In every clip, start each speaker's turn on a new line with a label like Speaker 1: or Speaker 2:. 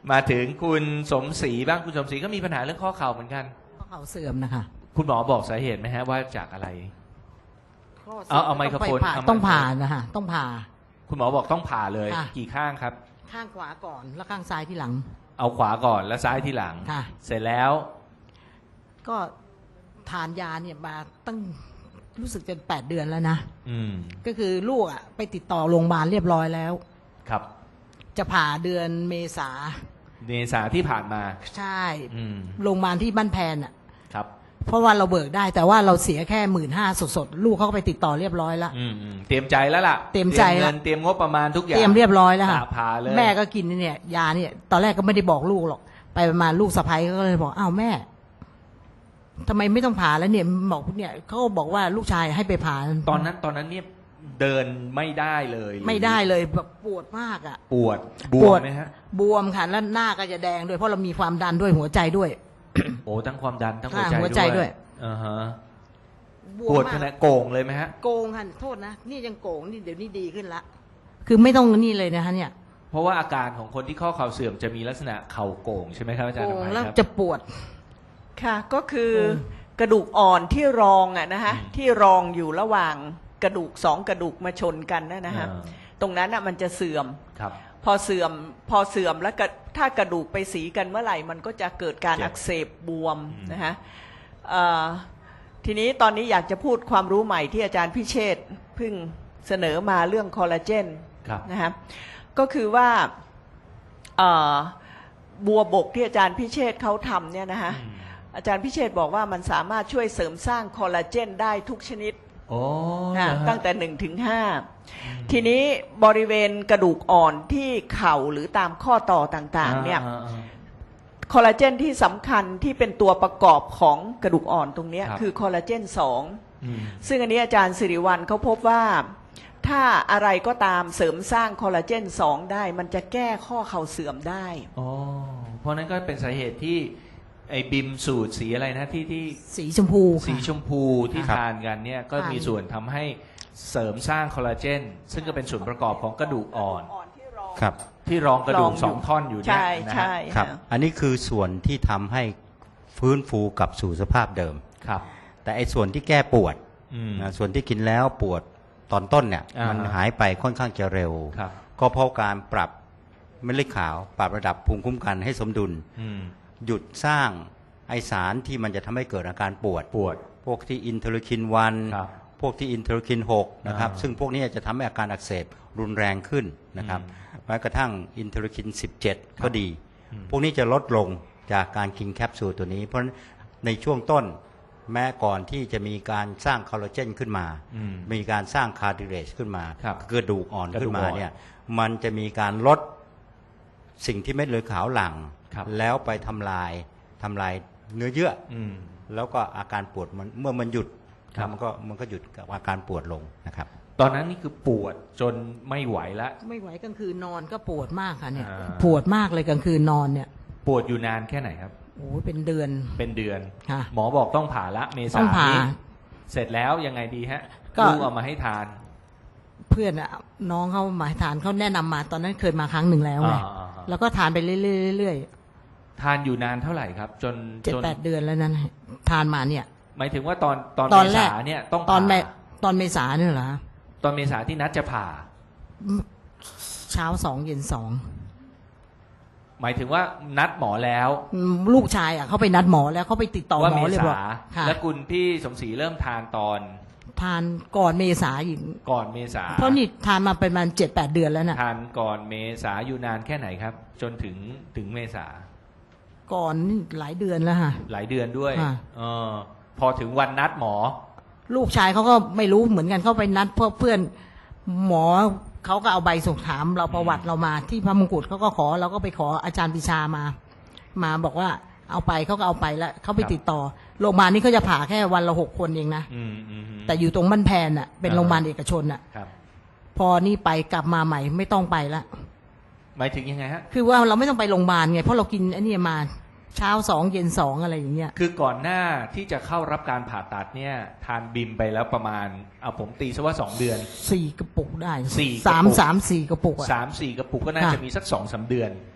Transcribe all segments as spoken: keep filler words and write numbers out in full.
Speaker 1: มาถึงคุณสมศรีบ้างคุณสมศรีก็มีปัญหาเรื่องข้อเข่าเหมือนกัน
Speaker 2: ข้อเข่าเสื่อมนะคะ
Speaker 1: คุณหมอบอกสาเหตุไหมฮะว่าจากอะไร
Speaker 2: ข้สื่
Speaker 1: เอาเอาไมโครโฟน
Speaker 2: ต้องผ่า
Speaker 1: เอาไมโครโฟน
Speaker 2: ต้องผ่านะคะต้องผ่า
Speaker 1: คุณหมอบอกต้องผ่าเลย
Speaker 2: ค่ะ
Speaker 1: กี่ข้างครับ
Speaker 2: ข้างขวาก่อนแล้วข้างซ้ายที่หลัง
Speaker 1: เอาขวาก่อนแล้วซ้ายที่หลัง
Speaker 2: ค่ะ
Speaker 1: เสร็จแล้ว
Speaker 2: ก็ทานยาเนี่ยมาตั้งรู้สึกจะแปดเดือนแล้วนะ
Speaker 1: อืม
Speaker 2: ก็คือลูกอ่ะไปติดต่อโรงพยาบาลเรียบร้อยแล้ว
Speaker 1: ครับ
Speaker 2: จะผ่าเดือนเมษา
Speaker 1: เมษาที่ผ่านมา
Speaker 2: ใช่
Speaker 1: อืม
Speaker 2: โรงพยาบาลที่บ้านแพนอ่ะ
Speaker 1: ครับ
Speaker 2: เพราะว่าเราเบิกได้แต่ว่าเราเสียแค่หมื่นห้าสดๆลูกเขาก็ไปติดต่อเรียบร้อยแล้ว
Speaker 1: อืมอืมเตรียมใจแล้วล่ะ
Speaker 2: เตรียมใจ
Speaker 1: เงิ
Speaker 2: แล้ว
Speaker 1: นเตรียมงบประมาณทุกอย่าง
Speaker 2: เตรียมเรียบร้อยแล้วค่ะ
Speaker 1: ผ่าผ่าเลย
Speaker 2: แม่ก็กินเนี่ยยาเนี่ยตอนแรกก็ไม่ได้บอกลูกหรอกไปประมาณลูกสะใภ้ก็เลยบอกอ้าวแม่ทำไมไม่ต้องผ่าแล้วเนี่ยบอกเนี่ยเขาก็บอกว่าลูกชายให้ไปผ่า
Speaker 1: ตอนนั้นตอนนั้นเนี่ยเดินไม่ได้เลยหรือ
Speaker 2: ไม่ได้เลยแบบปวดมากอ่ะ
Speaker 1: ปวดบ
Speaker 2: ป
Speaker 1: ว
Speaker 2: ว
Speaker 1: ม
Speaker 2: ด
Speaker 1: ไหมฮะ
Speaker 2: บวมค่ะแล้วหน้าก็จะแดงด้วยเพราะเรามีความดันด้วยหัวใจด้วย
Speaker 1: โอ้ทั้งความดันทั้ง
Speaker 2: ค่ะ
Speaker 1: หัวใจ
Speaker 2: หัวใจด้วย
Speaker 1: อ่าฮะ
Speaker 2: บ
Speaker 1: ปวด
Speaker 2: ม
Speaker 1: ข
Speaker 2: มาก
Speaker 1: นาดโก่งเลยไหมฮะ
Speaker 2: โกงค่ะโทษนะนี่ยังโกงนี่เดี๋ยวนี้ดีขึ้นละคือไม่ต้องนี่เลยนะคะเนี่ย
Speaker 1: เพราะว่าอาการของคนที่ข้อเข่าเสื่อมจะมีลักษณะเข่าโก่งใช่ไหมครับอาจาร
Speaker 2: โก
Speaker 1: ย์
Speaker 2: ง
Speaker 1: อภัย
Speaker 2: แล้ว
Speaker 1: ครับ
Speaker 2: จะปวด
Speaker 3: ค่ะก็คือ
Speaker 2: อืม
Speaker 3: กระดูกอ่อนที่รองอะนะฮะ
Speaker 1: อืม
Speaker 3: ที่รองอยู่ระหว่างกระดูกสองกระดูกมาชนกันนะนะฮะ
Speaker 1: อ่า
Speaker 3: ตรงนั้นอะมันจะเสื่อม
Speaker 1: ครับ
Speaker 3: พอเสื่อมพอเสื่อมแล้วก็ถ้ากระดูกไปสีกันเมื่อไหร่มันก็จะเกิดการ
Speaker 1: เจ็บ
Speaker 3: อักเสบบวม
Speaker 1: อืม
Speaker 3: นะฮะเอ่อทีนี้ตอนนี้อยากจะพูดความรู้ใหม่ที่อาจารย์พิเชษฐ์เพิ่งเสนอมาเรื่องคอลลาเจน
Speaker 1: ครับ
Speaker 3: นะฮะก็คือว่าเอ่อบัวบกที่อาจารย์พิเชษฐ์เขาทำเนี่ยนะฮะ
Speaker 1: อืม
Speaker 3: อาจารย์พิเชษฐ์บอกว่ามันสามารถช่วยเสริมสร้างคอลลาเจนได้ทุกชนิด
Speaker 1: โอ้
Speaker 3: นะ
Speaker 1: เหรอฮะ
Speaker 3: ตั้งแต่หนึ่งถึงห้าทีนี้บริเวณกระดูกอ่อนที่เข่าหรือตามข้อต่อต่างๆเนี่ย
Speaker 1: อ่าอ่า
Speaker 3: คอลลาเจนที่สำคัญที่เป็นตัวประกอบของกระดูกอ่อนตรงเนี้ย
Speaker 1: ครับ
Speaker 3: คือคอลลาเจนสอง
Speaker 1: อืม
Speaker 3: ซึ่งอันนี้อาจารย์สิริวัลเขาพบว่าถ้าอะไรก็ตามเสริมสร้างคอลลาเจนสองได้ มันจะแก้ข้อเข่าเสื่อมได้
Speaker 1: อ๋อเพราะนั้นก็เป็นสาเหตุที่ไอ้บิมสูตรสีอะไรนะที่ที่
Speaker 2: สีชมพูค่ะ
Speaker 1: สีชมพูที่
Speaker 2: ครับ
Speaker 1: ทานกันเนี่ยก็
Speaker 2: ทาน
Speaker 1: มีส่วนทำให้เสริมสร้างคอลลาเจนซึ่งก็เป็นส่วนประกอบของกระดูกอ่อน
Speaker 3: ที่รอง
Speaker 4: ครับ
Speaker 1: ที่รองกระดูก
Speaker 3: รองอยู่
Speaker 1: สองท่อนอยู่เนี่ย
Speaker 3: ใช่
Speaker 1: นะฮะ
Speaker 3: ใช่
Speaker 4: ครับ
Speaker 3: ค่ะ
Speaker 4: อันนี้คือส่วนที่ทำให้ฟื้นฟูกลับสู่สภาพเดิม
Speaker 1: ครับ
Speaker 4: แต่ไอ้ส่วนที่แก้ปวด
Speaker 1: อืม
Speaker 4: นะส่วนที่กินแล้วปวดตอนต้นเนี่ย
Speaker 1: อ่ามั
Speaker 4: มันหายไปค่อนข้างจะเร็ว
Speaker 1: ครับ
Speaker 4: ก็เพราะการปรับเม็ดเลือดขาว ปรับระดับภูมิคุ้มกันให้สมดุล
Speaker 1: อืม
Speaker 4: หยุดสร้างไอสารที่มันจะทำให้เกิดอาการปวด
Speaker 1: ปวด
Speaker 4: พวกที่อินเทอร์คินวัน
Speaker 1: ครับ
Speaker 4: พวกที่อินเทอร์คินหกนะครับ
Speaker 1: อ่า
Speaker 4: ซึ่งพวกนี้จะทำให้อาการอักเสบรุนแรงขึ้นนะครับ
Speaker 1: อืม
Speaker 4: แม้กระทั่งอินเทอร์คินสิบเจ็ด
Speaker 1: ครับ
Speaker 4: ก็ดี
Speaker 1: อืม
Speaker 4: พวกนี้จะลดลงจากการกินแคปซูลตัวนี้ เพราะฉะนั้นในช่วงต้นแม้ก่อนที่จะมีการสร้างคอลลาเจนขึ้นมา
Speaker 1: อืม
Speaker 4: มีการสร้างคาร์ดิเรจขึ้นมา
Speaker 1: ครับ
Speaker 4: กระดูกอ่อน
Speaker 1: กระดู
Speaker 4: ขึ้
Speaker 1: ก
Speaker 4: น
Speaker 1: อ่
Speaker 4: มา
Speaker 1: อน
Speaker 4: เนี่ยมันจะมีการลดสิ่งที่เม็ดเลือดขาวหลั่ง
Speaker 1: ครับ
Speaker 4: แล้วไปทำลายทำลายเนื้อเยื่อ
Speaker 1: อืม
Speaker 4: แล้วก็อาการปวดมันเมื่อมันหยุด
Speaker 1: ครับ
Speaker 4: มันก็มันก็หยุดกับอาการปวดลงนะครับ
Speaker 1: ตอนนั้นนี่คือปวดจนไม่ไหวละ
Speaker 2: ไม่ไหวกลางคืนนอนก็ปวดมากค่ะเนี่ย
Speaker 1: อ่า
Speaker 2: ปวดมากเลยกลางคืนนอนเนี่ย
Speaker 1: ปวดอยู่นานแค่ไหนครับ
Speaker 2: โอ้ยเป็นเดือน
Speaker 1: เป็นเดือน
Speaker 2: ค่ะ
Speaker 1: หมอบอกต้องผ่าละเมษา
Speaker 2: ต้องผ่า
Speaker 1: นี้เสร็จแล้วยังไงดีฮะ
Speaker 2: ก็
Speaker 1: ลูกเอามาให้ทาน
Speaker 2: เพื่อนอะน้องเขาหมายทานเขาแนะนำมาตอนนั้นเคยมาครั้งหนึ่งแล้วไง
Speaker 1: อ่าๆๆ
Speaker 2: แล้วก็ทานไปเรื่อยๆเรื่อย
Speaker 1: ทานอยู่นานเท่าไหร่ครับ จน
Speaker 2: ๆเจ็ด
Speaker 1: จน
Speaker 2: แปดเดือนแล้วนั้นทานมาเนี่ย
Speaker 1: หมายถึงว่าตอนตอน
Speaker 2: ตอน
Speaker 1: เม
Speaker 2: แรก
Speaker 1: ษาเนี่ยต้อง
Speaker 2: ตอนเม
Speaker 1: ผ่า
Speaker 2: ตอนเมษาเนี่ยเหรอ
Speaker 1: ตอนเมษาที่นัดจะผ่า
Speaker 2: เช้าสองเย็นสอง
Speaker 1: หมายถึงว่านัดหมอแล้ว
Speaker 2: อืมลูกชายอะเขาไปนัดหมอแล้วเขาไปติดต่อ
Speaker 1: ว่า
Speaker 2: หม
Speaker 1: เม
Speaker 2: อเลยบอ
Speaker 1: ษาก
Speaker 2: ค่ะ
Speaker 1: แล้วคุณพี่สมศรีเริ่มทานตอน
Speaker 2: ทานก่อนเมษาอีก
Speaker 1: ก่อนเมษา
Speaker 2: เพราะนี่ทานมาเป็นประมาณเจ็ดแปดเดือนแล้วน่ะ
Speaker 1: ทานก่อนเมษาอยู่นานแค่ไหนครับ จนถึงถึงเมษา
Speaker 2: ก่อนนี่หลายเดือนแล้วค่ะ
Speaker 1: หลายเดือนด้วย
Speaker 2: ค่ะ
Speaker 1: เออพอถึงวันนัดหมอ
Speaker 2: ลูกชายเขาก็ไม่รู้เหมือนกันเขาไปนัดเพื่อเพื่อนหมอเขาก็เอาใบส่งถามเราประวัติเรามาที่พระมงกุฎเขาก็ขอเราก็ไปขออาจารย์ปิชามา มาบอกว่าเอาไปเขาก็เอาไปแล้วเขาไป
Speaker 1: ครับ
Speaker 2: ติดต่อโรงพยาบาลนี้เขาจะผ่าแค่วันละหกคนเองนะ
Speaker 1: อืมอืมอืม
Speaker 2: แต่อยู่ตรงบ้านแพนน่ะเป็น
Speaker 1: อ่า
Speaker 2: โรงพยาบาลเอกชนน่ะ
Speaker 1: ครับ
Speaker 2: พอนี่ไปกลับมาใหม่ไม่ต้องไปละ
Speaker 1: หมายถึงยังไงฮะ
Speaker 2: คือว่าเราไม่ต้องไปโรงพยาบาลไงเพราะเรากินไอ้นี่มาเช้าสองเย็นสองอะไรอย่างเงี้ย
Speaker 1: คือก่อนหน้าที่จะเข้ารับการผ่าตัดเนี่ยทานบิมไปแล้วประมาณเอาผมตีซะว่าสองเดือน
Speaker 2: สี่กระปุกได้
Speaker 1: สี่กระปุก
Speaker 2: สามสามสี่กระปุกอะ
Speaker 1: สามสี่กระปุกก็น่า
Speaker 2: ค่ะ
Speaker 1: จะมีสักสองสามเดือน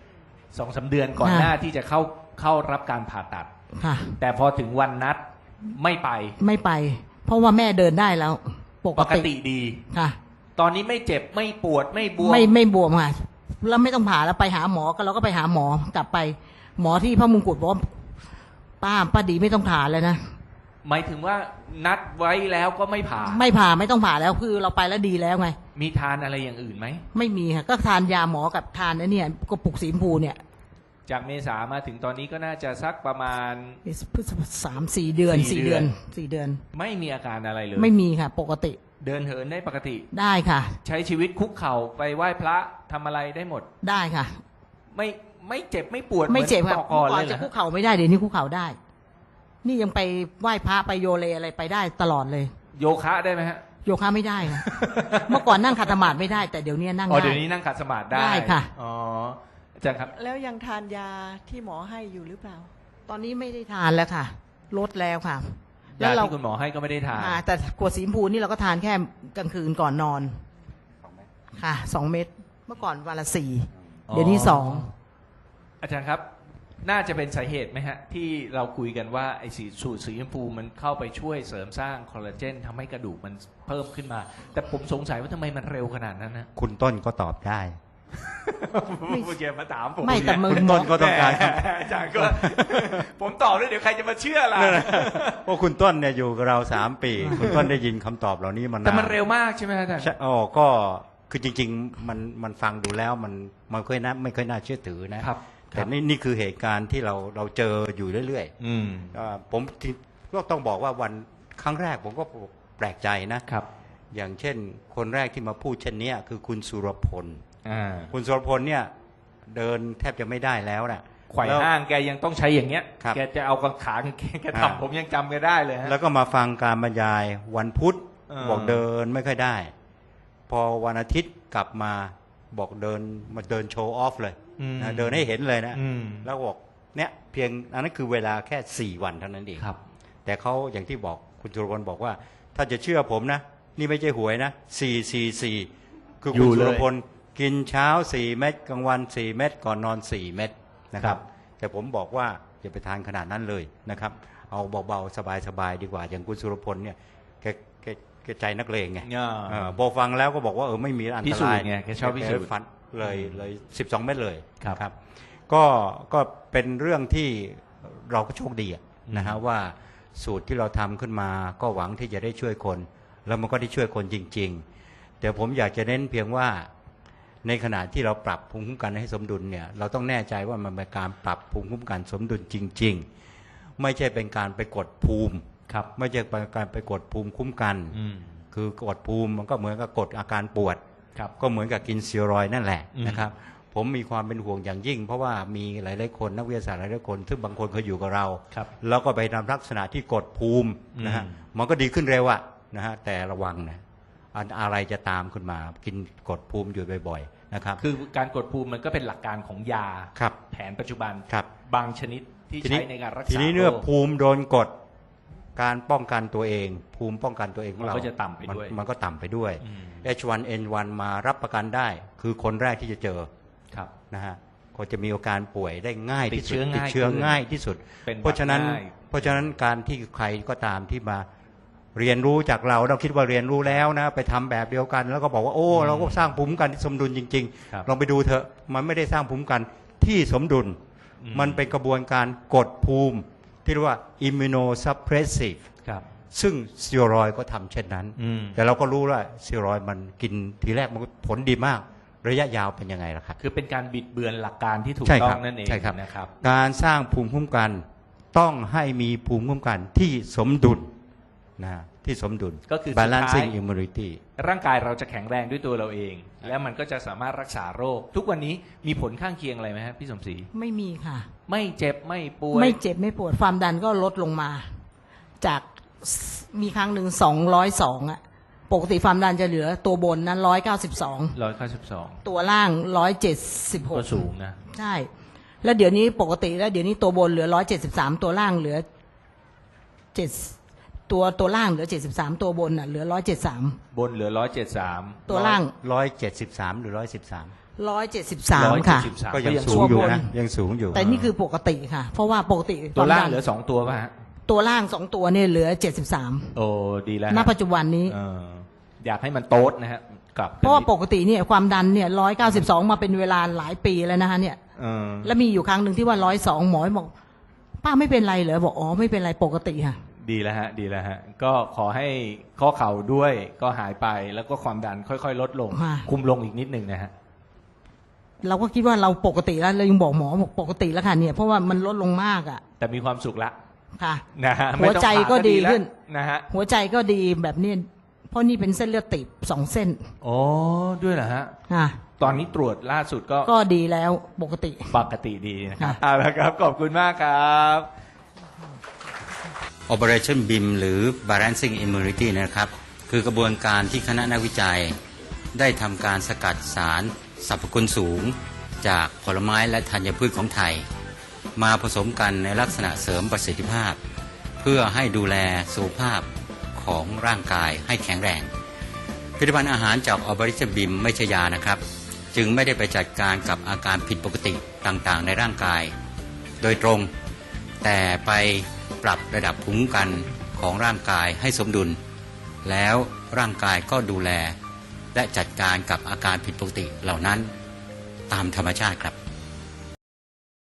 Speaker 1: สองสามเดือนก่อน
Speaker 2: ค่ะ
Speaker 1: หน้าที่จะเข้าเข้ารับการผ่าตัด
Speaker 2: ค่ะ
Speaker 1: แต่พอถึงวันนัดไม่ไป
Speaker 2: ไม่ไป เพราะว่าแม่เดินได้แล้ว ป
Speaker 1: ป
Speaker 2: ก
Speaker 1: ก
Speaker 2: ติ
Speaker 1: ติดี
Speaker 2: ค่ะ
Speaker 1: ตอนนี้ไม่เจ็บไม่ปวดไม่บวม
Speaker 2: ไม่ไม่บวมค่ะแล้วไม่ต้องผ่าแล้วไปหาหมอก็เราก็ไปหาหมอกลับไป หมอที่พระมงกุฎบอกว่าป้าป้าดีไม่ต้องผ่าแล้วนะ
Speaker 1: หมายถึงว่านัดไว้แล้วก็ไม่ผ่า
Speaker 2: ไม่ผ่าไม่ต้องผ่าแล้วคือเราไปแล้วดีแล้วไง
Speaker 1: มีทานอะไรอย่างอื่นไหม
Speaker 2: ไม่มีค่ะก็ทานยาหมอกับทานไอ้เนี่ยกระปุกสีชมพูเนี่ย
Speaker 1: จากเมษามาถึงตอนนี้ก็น่าจะสักประมาณ
Speaker 2: พฤษภาสามสี่เดือน
Speaker 1: สี่
Speaker 2: สี่
Speaker 1: เดื
Speaker 2: เดื
Speaker 1: อ
Speaker 2: อน นสี่เดือน
Speaker 1: ไม่มีอาการอะไรเลย
Speaker 2: ไม่มีค่ะ ปกติ
Speaker 1: เดินเหินได้ปกติ
Speaker 2: ได้ค่ะ
Speaker 1: ใช้ชีวิตคุกเข่าไปไหว้พระทำอะไรได้หมด
Speaker 2: ได้ค่ะ
Speaker 1: ไม่ไม่เจ็บไม่ปวด
Speaker 2: ไม่เจ็บ
Speaker 1: หอน
Speaker 2: ค่ะ
Speaker 1: ต่อก่อน
Speaker 2: ก่อ
Speaker 1: เล
Speaker 2: น
Speaker 1: ยเหร
Speaker 2: จะ
Speaker 1: อ
Speaker 2: คุก
Speaker 1: ฮะ
Speaker 2: เข่าไม่ได้เดี๋ยวนี้คุกเข่าได้ นี่ยังไปไหว้พระไปโยเลอะไรไปได้ตลอดเลย
Speaker 1: โยคะได้ไหมฮะ
Speaker 2: โยคะไม่ได้ ค่ะ เมื่อก่อนนั่งขัดสมาธิไม่ได้ แต่เดี๋ยวนี้นั่ง
Speaker 1: อ๋อ
Speaker 2: ได้
Speaker 1: เดี๋ยวนี้นั่งขัดสมาธิได้
Speaker 2: ได้ค่ะ
Speaker 1: อ๋ออาจารย์ครับ
Speaker 3: แล้วยังทานยาที่หมอให้อยู่หรือเปล่า
Speaker 2: ตอนนี้ไม่ได้ทานแล้วค่ะ ลดแล้วค่ะ แล้
Speaker 1: ยาว
Speaker 2: เรา
Speaker 1: ที่คุณหมอให้ก็ไม่ได้ทาน
Speaker 2: อ่าแต่ขวดสีชมพูนี่เราก็ทานแค่กลางคืนก่อนนอน ค่ะสองเม็ดเมื่อก่อนวันละสี่
Speaker 1: อ๋อ
Speaker 2: เดี๋ยวนี้สอง
Speaker 1: อาจารย์ครับ น่าจะเป็นสาเหตุไหมฮะ ที่เราคุยกันว่าไอ้สีสูตรสีชมพูมันเข้าไปช่วยเสริมสร้างคอลลาเจนทำให้กระดูกมันเพิ่มขึ้นมา แต่ผมสงสัยว่าทำไมมันเร็วขนาดนั้นนะ
Speaker 4: คุณต้นก็ตอบได้
Speaker 1: เมื่อกี้มาถามผม
Speaker 2: ไม่แต่มือ
Speaker 4: คุณต้นก็ต้องการ
Speaker 1: แหมอาจารย์ก็ ผมตอบด้วยเดี๋ยวใครจะมาเชื่อล่ะ
Speaker 4: เพราะคุณต้นเนี่ยอยู่กับเราสามปี คุณต้นได้ยินคำตอบเหล่านี้มานาน
Speaker 1: แต่มันเร็วมากใช่ไหมอาจารย์
Speaker 4: ใช่อ๋อก็คือจริง ๆ มันมันฟังดูแล้วมันมันค่อยน่าไม่ค่อยน่าเชื่อถือนะครับ แต่นี่นี่คือเหตุการณ์ที่เราเราเจออยู่เรื่อย
Speaker 1: อืม
Speaker 4: ๆอ่าผมที่ก็ต้องบอกว่าวันครั้งแรกผมก็แปลกใจนะ
Speaker 1: ครับ
Speaker 4: อย่างเช่น คนแรกที่มาพูดเช่นเนี้ยคือคุณสุรพล
Speaker 1: อ่า
Speaker 4: คุณสุรพลเนี่ยเดินแทบจะไม่ได้แล้วนะ
Speaker 1: ไขว่
Speaker 4: แล้ว
Speaker 1: ห้างแกยังต้องใช้อย่างเงี้ย
Speaker 4: ครับ
Speaker 1: แกจะเอากางขาแกแก
Speaker 4: อ่า
Speaker 1: ทำผมยังจำแกได้เลยฮะ
Speaker 4: แล้วก็มาฟังการบรรยายวันพุธ
Speaker 1: เออ
Speaker 4: บอกเดินไม่ค่อยได้ พอวันอาทิตย์กลับมาบอกเดินมาเดินโชว์ออฟเลย
Speaker 1: อืม
Speaker 4: นะเดินให้เห็นเลยนะ
Speaker 1: อืม
Speaker 4: แล้วบอกเนี่ยเพียงอันนั้นคือเวลาแค่สี่วันเท่านั้นเอง
Speaker 1: ครับ
Speaker 4: แต่เขาอย่างที่บอกคุณสุรพลบอกว่า ถ้าจะเชื่อผมนะ นี่ไม่ใช่หวยนะสี่สี่สี่คือ
Speaker 1: อยู่
Speaker 4: คุณสุ
Speaker 1: เลย
Speaker 4: รพลกินเช้าสี่เม็ดกลางวันสี่เม็ดก่อนนอนสี่เม็ดนะค
Speaker 1: ครั
Speaker 4: รับ บ แต่ผมบอกว่าอย่าไปทานขนาดนั้นเลยนะครับ เอาเบาๆสบายๆดีกว่า อย่างคุณสุรพลเนี่ยแกแกแกใจนักเลงไง
Speaker 1: อ่า
Speaker 4: เออพอฟังแล้วก็บอกว่าเออไม่มีอัน
Speaker 1: พิ
Speaker 4: ต
Speaker 1: สูจ
Speaker 4: ราย
Speaker 1: น์ไงแกชอบพิสูจน์
Speaker 4: ฟันเลยเลยสิบสองเม็ดเลย
Speaker 1: ครับ
Speaker 4: ครับ ก็ก็เป็นเรื่องที่เราก็โชคดีอะนะฮะว่าสูตรที่เราทำขึ้นมาก็หวังที่จะได้ช่วยคน แล้วมันก็ได้ช่วยคนจริง ๆ แต่ผมอยากจะเน้นเพียงว่าในขณะที่เราปรับภูมิคุ้มกันให้สมดุลเนี่ยเราต้องแน่ใจว่ามันเป็นการปรับภูมิคุ้มกันสมดุลจริง ๆ ไม่ใช่เป็นการไปกดภูมิ
Speaker 1: ครับ
Speaker 4: ไม่ใช่เป็นการไปกดภูมิคุ้มกัน
Speaker 1: อืม
Speaker 4: คือกดภูมิมันก็เหมือนกับกดอาการปวด
Speaker 1: ครับ
Speaker 4: ก็เหมือนกับกินสเซียรอยด์นั่นแหละ
Speaker 1: อืม
Speaker 4: นะครับ ผมมีความเป็นห่วงอย่างยิ่ง เพราะว่ามีหลายๆคนนักวิทยาศาสตร์หลายๆคนซึ่งบางคนเคยอยู่กับเรา
Speaker 1: ครับ
Speaker 4: แล้วก็ไปทำลักษณะที่กดภูมินะฮะ
Speaker 1: อืม
Speaker 4: มันก็ดีขึ้นเร็วอะนะฮะแต่ระวังนะอันอะไรจะตามขึ้นมากินกดภูมิอยู่บ่อยๆนะครับ
Speaker 1: คือการกดภูมิมันก็เป็นหลักการของยา
Speaker 4: ครับ
Speaker 1: แผนปัจจุบัน
Speaker 4: ครับ
Speaker 1: บางชนิดที่
Speaker 4: ทีนี้
Speaker 1: ใช้ในการรักษา
Speaker 4: ทีนี้เมื่อ
Speaker 1: โรค
Speaker 4: ภูมิโดนกดการป้องกันตัวเอง ภูมิป้องกันตัวเองของเรา
Speaker 1: มันก็จะต่ำไปด้วย
Speaker 4: มันมันก็ต่ำไปด้วย
Speaker 1: อืม
Speaker 4: เอช วัน เอ็น วัน มารับประกันได้ คือคนแรกที่จะเจอ
Speaker 1: ครับ
Speaker 4: นะฮะก็จะมีอาการป่วยได้ง่ายที่สุด
Speaker 1: ติดเชื้อง่าย
Speaker 4: ติดเชื้อ
Speaker 1: ขึ้น
Speaker 4: ง่ายที่สุด
Speaker 1: เป็นหวัด
Speaker 4: เพราะฉะนั้น
Speaker 1: ง่าย
Speaker 4: เพราะฉะนั้นการที่ใครก็ตามที่มาเรียนรู้จากเราเราคิดว่าเรียนรู้แล้วนะไปทำแบบเดียวกัน แล้วก็บอกว่าโอ้เราก็สร้างภูมิคุ้มกันที่สมดุลจริง
Speaker 1: ครับ
Speaker 4: ๆ ลองไปดูเถอะมันไม่ได้สร้างภูมิคุ้มกันที่สมดุล
Speaker 1: อืม
Speaker 4: มันเป็นกระบวนการกดภูมิ ที่เรียกว่า immunosuppressive
Speaker 1: ครับ
Speaker 4: ซึ่งสเตียรอยด์ก็ทำเช่นนั้น
Speaker 1: อืม
Speaker 4: แต่เราก็รู้ว่าสเตียรอยด์มันกินทีแรกมันก็ผลดีมาก ระยะยาวเป็นยังไงล่ะครับ
Speaker 1: คือเป็นการบิดเบือนหลักการที่ถูก
Speaker 4: ใช่
Speaker 1: ต้อ
Speaker 4: ครั
Speaker 1: ง
Speaker 4: บ
Speaker 1: นั่นเอง
Speaker 4: ใช่ครับ
Speaker 1: นะครับ
Speaker 4: การสร้างภูมิคุ้มกันต้องให้มีภูมิคุ้มกันที่สมดุลนะที่สมดุล
Speaker 1: ก็คือสุดท้าย
Speaker 4: balancing immunity
Speaker 1: ร่างกายเราจะแข็งแรงด้วยตัวเราเอง แล้วมันก็จะสามารถรักษาโรค ทุกวันนี้มีผลข้างเคียงอะไรไหมครับพี่สมศรี
Speaker 2: ไม่มีค่ะ
Speaker 1: ไม่เจ็บไม่ป่วย
Speaker 2: ไม่เจ็บไม่ปวดความดันก็ลดลงมา จากมีครั้งหนึ่งสองร้อยสองอะปกติความดันจะเหลือตัวบนนั้นร้อยเก้าสิบสอง
Speaker 1: ร้อยเก้าสิบสอง
Speaker 2: ตัวล่างร้อยเจ็ดสิบห
Speaker 1: ก็
Speaker 2: ก
Speaker 1: สูงนะ
Speaker 2: ใช่ แล้วเดี๋ยวนี้ปกติแล้วเดี๋ยวนี้ตัวบนเหลือร้อยเจ็ดสิบสามตัวล่างเหลือเจ็ดตัวตัวล่างเหลือเจ็ดสิบสามตัวบนอ่ะเหลือร้อยเจ็ดสาม
Speaker 1: บนเหลือร้อยเจ็ดสาม
Speaker 2: ตัวล่าง
Speaker 4: ร้อยเจ็ดสิบสามหรือร้อยสิบสาม
Speaker 2: ร้อยเจ็ดสิบสามค่ะ
Speaker 1: สาม
Speaker 4: ก็ยัง
Speaker 1: ยัง
Speaker 4: สู
Speaker 1: สู
Speaker 4: ง
Speaker 1: ง
Speaker 4: อยู่
Speaker 2: บน
Speaker 4: นะยังสูงอยู่
Speaker 2: แต่นี่คือปกติค่ะ เพราะว่าปกติ
Speaker 1: ตัวล่าง
Speaker 2: คมดัน
Speaker 1: เหลือสองตัวป่ะฮะ
Speaker 2: ตัวล่างสองตัวเนี่ยเหลือเจ็ดสิบสาม
Speaker 1: โอ้ดีแล้ว
Speaker 2: ณ
Speaker 1: ฮะ
Speaker 2: ปัจจุบันนี้
Speaker 1: เอออยากให้มันโต๊ดนะฮะกลับ
Speaker 2: เพราะว่าปกติเนี่ยความดันเนี่ยร้อยเก้าสิบสองมาเป็นเวลาหลายปีแล้วนะคะเนี่ย
Speaker 1: เออ
Speaker 2: แล้วมีอยู่ครั้งหนึ่งที่ว่าร้อยสองหมอบอกป้าไม่เป็นไรเหรอบอกอ๋อไม่เป็นไรปกติค่ะ
Speaker 1: ดีแล้วฮะดีแล้วฮะก็ขอให้ข้อเข่าด้วยก็หายไปแล้วก็ความดันค่อยๆ ลดลง
Speaker 2: ค่ะ
Speaker 1: คุมลงอีกนิดหนึ่งนะฮะ
Speaker 2: เราก็คิดว่าเราปกติแล้วเรายังบอกหมอบอกปกติแล้วค่ะเนี่ยเพราะว่ามันลดลงมากอ่ะ
Speaker 1: แต่มีความสุขละ
Speaker 2: ค่ะ
Speaker 1: นะฮะ
Speaker 2: หัวใจก็ดีขึ้น
Speaker 1: นะฮะ
Speaker 2: หัวใจก็ดีแบบนี้เพราะนี่เป็นเส้นเลือดตีบสองเส้น
Speaker 1: โอ้ด้วยเหรอฮะ
Speaker 2: ค่ะ
Speaker 1: ตอนนี้ตรวจล่าสุดก็
Speaker 2: ก็ดีแล้วปกติ
Speaker 1: ปกติดีนะครับ
Speaker 2: ค่ะ
Speaker 1: เอาละครับขอบคุณมากครับ
Speaker 4: Operation บี ไอ เอ็ม หรือ Balancing Immunity นะครับ คือกระบวนการที่คณะนักวิจัย ได้ทำการสกัดสารสรรพคุณสูง จากผลไม้และธัญพืชของไทย มาผสมกันในลักษณะเสริมประสิทธิภาพ เพื่อให้ดูแลสุขภาพของร่างกายให้แข็งแรง ผลิตภัณฑ์อาหารจาก Operation บี ไอ เอ็ม ไม่ใช่ยานะครับ จึงไม่ได้ไปจัดการกับอาการผิดปกติต่างๆ ในร่างกาย โดยตรง แต่ไปปรับระดับภูมิคุ้มกันของร่างกายให้สมดุล แล้วร่างกายก็ดูแล และจัดการกับอาการผิดปกติเหล่านั้นตามธรรมชาติครับ